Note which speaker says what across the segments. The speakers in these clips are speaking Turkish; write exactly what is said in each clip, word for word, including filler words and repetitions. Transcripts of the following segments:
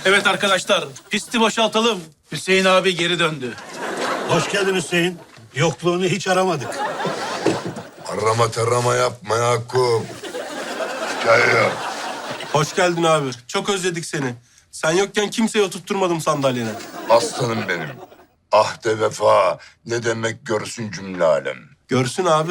Speaker 1: Evet arkadaşlar, pisti boşaltalım. Hüseyin abi geri döndü.
Speaker 2: Hoş geldin Hüseyin. Yokluğunu hiç aramadık.
Speaker 3: Arama tarama yapma Yakup. Hikaye yap.
Speaker 4: Hoş geldin abi. Çok özledik seni. Sen yokken kimseyi oturtturmadım sandalyene.
Speaker 3: Aslanım benim. Ahde vefa ne demek görsün cümle alem.
Speaker 4: Görsün abi.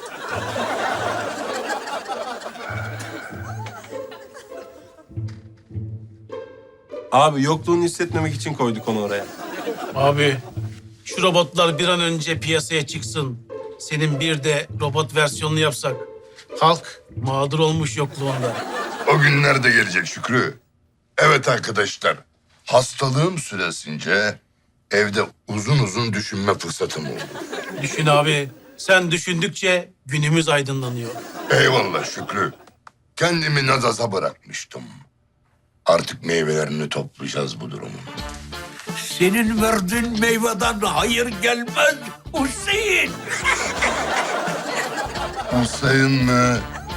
Speaker 4: Abi yokluğunu hissetmemek için koyduk onu oraya.
Speaker 1: Abi, şu robotlar bir an önce piyasaya çıksın. Senin bir de robot versiyonunu yapsak. Halk mağdur olmuş yokluğunda.
Speaker 3: O günler de gelecek Şükrü. Evet arkadaşlar. Hastalığım süresince evde uzun uzun düşünme fırsatım oldu.
Speaker 1: Düşün abi, sen düşündükçe günümüz aydınlanıyor.
Speaker 3: Eyvallah Şükrü. Kendimi nazaza bırakmıştım. Artık meyvelerini toplayacağız bu durumun.
Speaker 5: Senin verdiğin meyveden hayır gelmez Hüseyin.
Speaker 3: Hüseyin mi?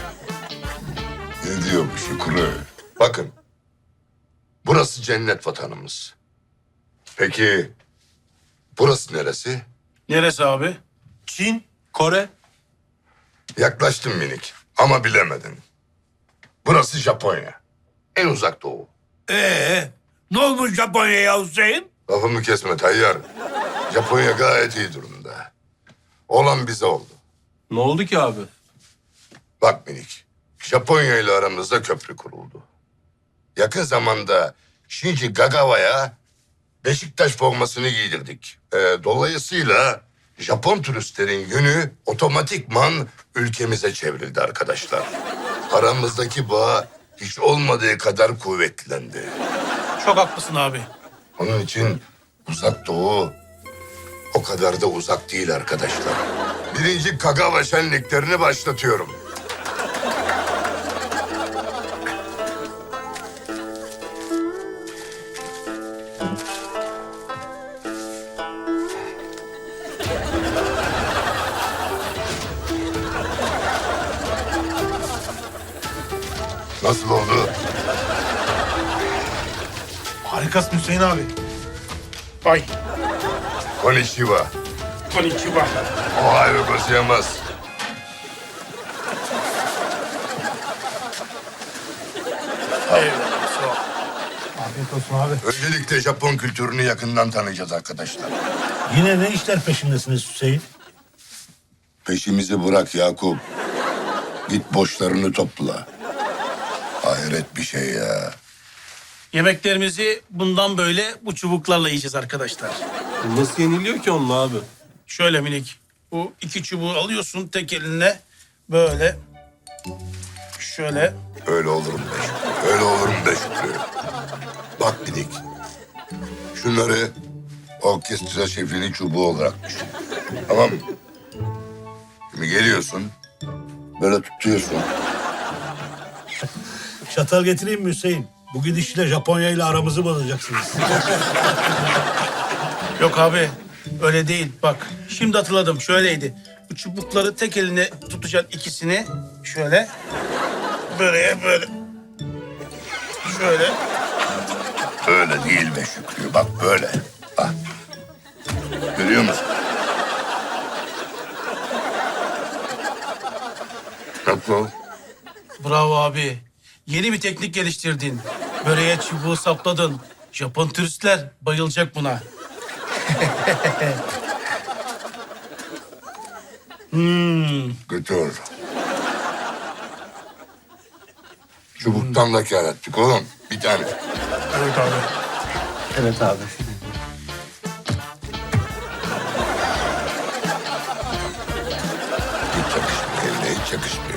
Speaker 3: Ne diyor bu Şükrü? Bakın. Burası cennet vatanımız. Peki burası neresi?
Speaker 1: Neresi abi?
Speaker 4: Çin, Kore.
Speaker 3: Yaklaştın minik ama bilemedin. Burası Japonya. En uzak doğu.
Speaker 5: Ee, ne olmuş Japonya'ya Hüseyin?
Speaker 3: Lafımı kesme Tayyar. Japonya gayet iyi durumda. Olan bize oldu.
Speaker 4: Ne oldu ki abi?
Speaker 3: Bak minik, Japonya ile aramızda köprü kuruldu. Yakın zamanda Shinji Kagawa'ya Beşiktaş formasını giydirdik. Ee, dolayısıyla Japon turistlerin yönü otomatikman ülkemize çevrildi arkadaşlar. Aramızdaki bağ hiç olmadığı kadar kuvvetlendi.
Speaker 1: Çok haklısın abi.
Speaker 3: Onun için uzak doğu o kadar da uzak değil arkadaşlar. Birinci Kagawa şenliklerini başlatıyorum. Nasıl oldu?
Speaker 1: Harikasın Hüseyin abi. Ay,
Speaker 3: Konnichiwa.
Speaker 1: konnichiwa.
Speaker 3: Ohio gozaimasu.
Speaker 1: Eyvallah, sağ ol. Afiyet olsun abi.
Speaker 3: Öncelikle Japon kültürünü yakından tanıyacağız arkadaşlar.
Speaker 2: Yine ne işler peşindesiniz Hüseyin?
Speaker 3: Peşimizi bırak Yakup. Git boşlarını topla. Hayret bir şey ya.
Speaker 1: Yemeklerimizi bundan böyle bu çubuklarla yiyeceğiz arkadaşlar.
Speaker 4: Nasıl yeniliyor ki onunla abi?
Speaker 1: Şöyle minik. Bu iki çubuğu alıyorsun tek elinle. Böyle. Şöyle.
Speaker 3: Öyle olurum be Şükrü. Öyle olurum be Şükrü. Bak Didik. Şunları orkestra şefinin çubuğu olarak düşün. Tamam mı? Şimdi geliyorsun. Böyle tutuyorsun.
Speaker 2: Çatal getireyim mi Hüseyin? Bu gidişle Japonya ile aramızı bozacaksınız.
Speaker 1: Yok abi. Öyle değil. Bak. Şimdi hatırladım. Şöyleydi. Bu çubukları tek eline tutacaksın ikisini. Şöyle. Böyle böyle. Şöyle.
Speaker 3: Öyle değil be Şükrü. Bak böyle. Bak. Görüyor musun? Nasıl?
Speaker 1: Bravo abi. Yeni bir teknik geliştirdin. Böreğe çubuğu sapladın. Japon turistler bayılacak buna. hmm.
Speaker 3: Götür. Çubuktan da kâr ettik oğlum. Bir tane.
Speaker 1: Evet abi.
Speaker 4: Evet abi.
Speaker 3: Hiç yakışmıyor. Eline hiç yakışmıyor.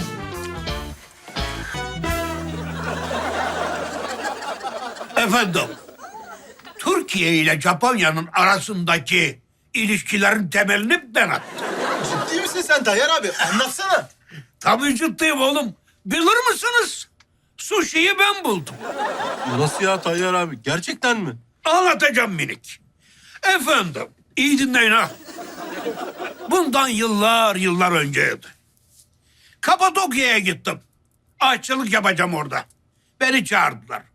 Speaker 5: Efendim, Türkiye ile Japonya'nın arasındaki ilişkilerin temelini ben attım.
Speaker 6: Ciddi misin sen Tayyar abi? Anlatsana.
Speaker 5: Tabii ciddiyim oğlum. Bilir misiniz? Sushi'yi ben buldum.
Speaker 4: Nasıl ya Tayyar abi? Gerçekten mi?
Speaker 5: Anlatacağım minik. Efendim, iyi dinleyin ha. Bundan yıllar yıllar önceydi. Kapadokya'ya gittim. Aşçılık yapacağım orada. Beni çağırdılar.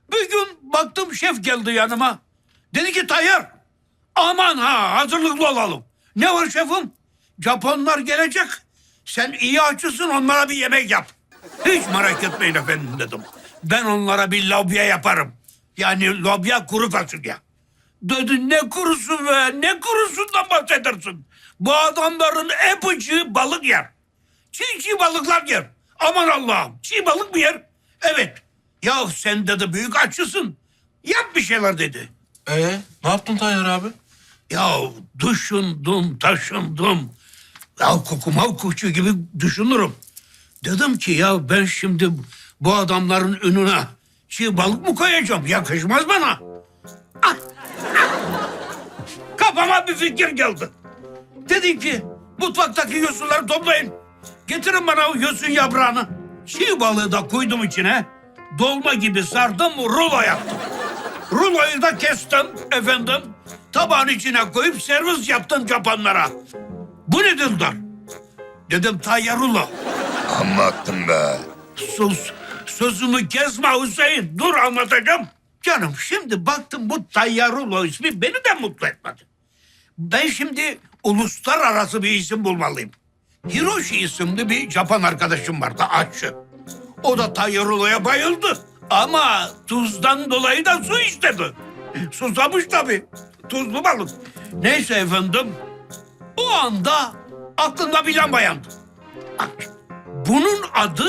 Speaker 5: Bir gün baktım şef geldi yanıma. Dedi ki Tayyar, aman ha hazırlıklı olalım. Ne var şefim? Japonlar gelecek. Sen iyi aşçısın, onlara bir yemek yap. Hiç merak etmeyin efendim dedim. Ben onlara bir lobya yaparım. Yani lobya kuru fasulye. Dedi ne kurusu be, ne kurusundan bahsedersin? Bu adamların hepsi balık yer. Çiğ çiğ balıklar yer. Aman Allah'ım, çiğ balık mı yer? Evet. Ya sen dedi büyük aşçısın. Yap bir şeyler dedi.
Speaker 4: Ee, ne yaptın Tayyar abi?
Speaker 5: Ya düşündüm, taşındım. Ya kokumal kuşu gibi düşünürüm. Dedim ki ya ben şimdi bu adamların önüne çiğ balık mı koyacağım? Yakışmaz bana. Ah, ah. Kafama bir fikir geldi. Dedim ki mutfaktaki yosunları toplayın. Getirin bana o yosun yaprağını. Çiğ balığı da koydum içine. Dolma gibi sardım, rulo yaptım. Ruloyu da kestim efendim. Tabağın içine koyup servis yaptım Japonlara. Bu nedir der? Dedim Tayyar rulo.
Speaker 3: Amma attın be.
Speaker 5: Sus, sözümü kesme Hüseyin. Dur anlatacağım. Canım şimdi baktım bu Tayyar rulo ismi beni de mutlu etmedi. Ben şimdi uluslararası bir isim bulmalıyım. Hiroshi isimli bir Japon arkadaşım vardı, aşçı. O da Tayyar ruloya bayıldı. Ama tuzdan dolayı da su istedi. Susamış tabii. Tuzlu balık. Neyse efendim. O anda aklımda bir lamba yandı. Bak, bunun adı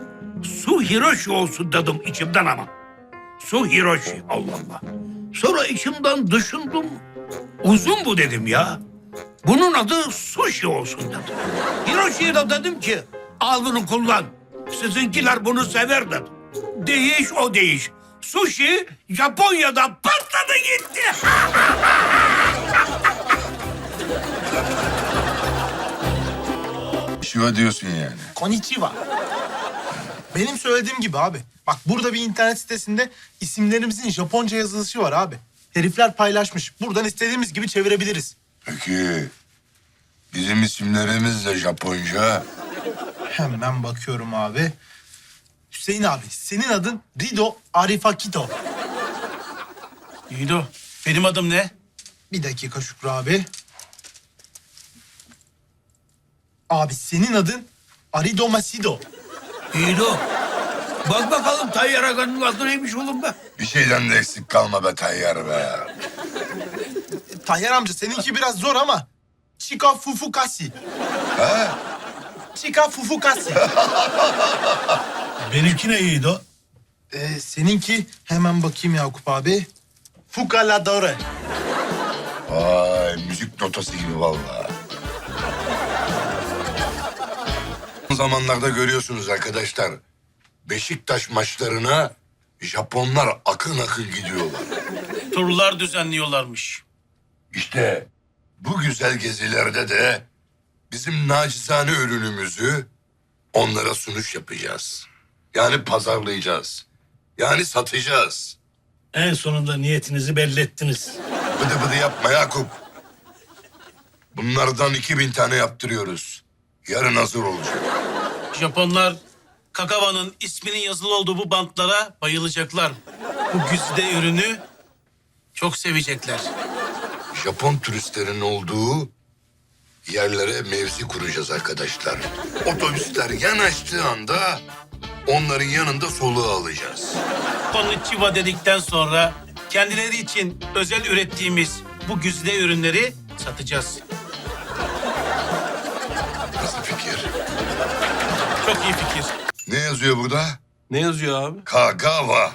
Speaker 5: Su Hiroshi olsun dedim içimden ama. Su Hiroshi, Allah Allah. Sonra içimden düşündüm. Uzun bu dedim ya. Bunun adı sushi olsun dedim. Hiroshi'ye de dedim ki al bunu kullan. Sizinkiler bunu sever dedim. Değiş o değiş. Sushi Japonya'da patladı gitti.
Speaker 3: Şiva diyorsun yani.
Speaker 6: Konnichiwa. Benim söylediğim gibi abi. Bak burada bir internet sitesinde isimlerimizin Japonca yazılışı var abi. Herifler paylaşmış. Buradan istediğimiz gibi çevirebiliriz.
Speaker 3: Peki bizim isimlerimiz de Japonca.
Speaker 6: Hemen bakıyorum abi. Hüseyin abi senin adın Rido Arifakito.
Speaker 1: İyi o. Benim adım ne?
Speaker 6: Bir dakika Şükrü abi. Abi senin adın Arido Masido.
Speaker 5: İyi de o. Bak bakalım Tayyar Aga'nın adı neymiş oğlum be.
Speaker 3: Bir şeyden de eksik kalma be Tayyar be.
Speaker 6: Tayyar amca seninki biraz zor ama. Chika Fufukasi.
Speaker 3: Ha?
Speaker 6: Chika Fufukasi.
Speaker 2: Benimki ne iyiydi o?
Speaker 6: Ee, seninki hemen bakayım Yakup abi. Fukaladore.
Speaker 3: Vay müzik notası gibi vallahi. Son zamanlarda görüyorsunuz arkadaşlar. Beşiktaş maçlarına Japonlar akın akın gidiyorlar.
Speaker 1: Turlar düzenliyorlarmış.
Speaker 3: İşte bu güzel gezilerde de bizim nacizane ürünümüzü onlara sunuş yapacağız. Yani pazarlayacağız. Yani satacağız.
Speaker 2: En sonunda niyetinizi belli ettiniz.
Speaker 3: Bıdı bıdı yapma Yakup. Bunlardan iki bin tane yaptırıyoruz. Yarın hazır olacak.
Speaker 1: Japonlar Kakava'nın isminin yazılı olduğu bu bantlara bayılacaklar. Bu güzide ürünü çok sevecekler.
Speaker 3: Japon turistlerin olduğu yerlere mevzi kuracağız arkadaşlar. Otobüsler yanaştığı anda onların yanında soluğu alacağız.
Speaker 1: Konnichiwa dedikten sonra kendileri için özel ürettiğimiz bu güzide ürünleri satacağız.
Speaker 3: Nasıl fikir?
Speaker 1: Çok iyi fikir.
Speaker 3: Ne yazıyor burada?
Speaker 4: Ne yazıyor abi?
Speaker 3: Kagawa.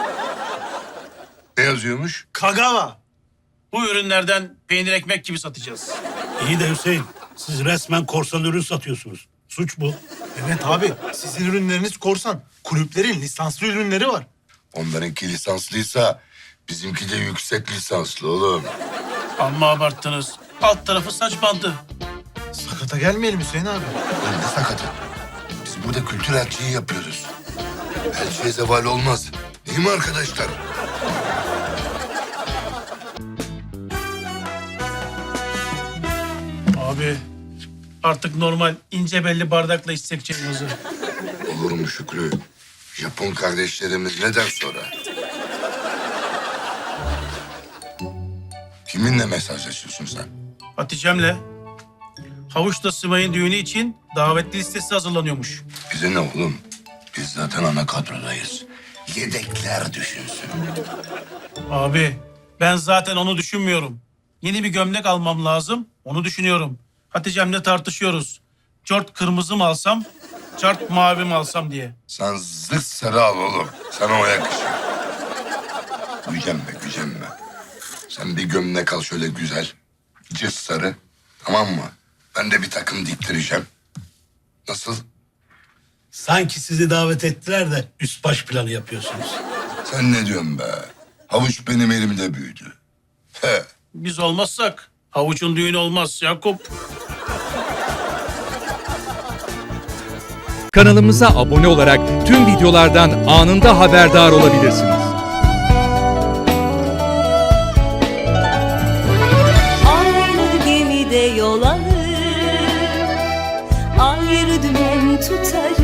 Speaker 3: Ne yazıyormuş?
Speaker 6: Kagawa.
Speaker 1: Bu ürünlerden peynir ekmek gibi satacağız.
Speaker 2: İyi de Hüseyin, siz resmen korsan ürün satıyorsunuz. Suç bu.
Speaker 6: Evet abi sizin ürünleriniz korsan. Kulüplerin lisanslı ürünleri var.
Speaker 3: Onlarınki lisanslıysa bizimki de yüksek lisanslı oğlum.
Speaker 1: Amma abarttınız. Alt tarafı saç bandı.
Speaker 6: Sakata gelmeyelim Hüseyin abi.
Speaker 3: Oğlum ne sakatı? Biz burada kültür elçiliği yapıyoruz. Elçiye zeval olmaz. Değil mi arkadaşlar?
Speaker 1: Abi artık normal ince belli bardakla içsek çayımızı.
Speaker 3: Olur mu Şükrü? Japon kardeşlerimiz ne der sonra? Kiminle mesajlaşıyorsun sen?
Speaker 1: Hatice'mle. Havuç'ta Simay'ın düğünü için davetli listesi hazırlanıyormuş.
Speaker 3: Bize ne oğlum? Biz zaten ana kadrodayız. Yedekler düşünsün.
Speaker 1: Abi ben zaten onu düşünmüyorum. Yeni bir gömlek almam lazım. Onu düşünüyorum. Hatice'mle tartışıyoruz. Çort kırmızı mı alsam, çart mavi mi alsam diye.
Speaker 3: Sen zırt sarı al oğlum. Sana o yakışır. Gücenme, gücenme. Sen bir gömlek al şöyle güzel. Cırt sarı. Tamam mı? Ben de bir takım diktireceğim. Nasıl?
Speaker 2: Sanki sizi davet ettiler de üst baş planı yapıyorsunuz.
Speaker 3: Sen ne diyorsun be? Havuç benim elimde büyüdü. He.
Speaker 1: Biz olmazsak Havuç'un düğünü olmaz Yakup.
Speaker 7: Kanalımıza abone olarak tüm videolardan anında haberdar olabilirsiniz.
Speaker 8: Aynı gemide yol alır, ayrı dümen tutarız.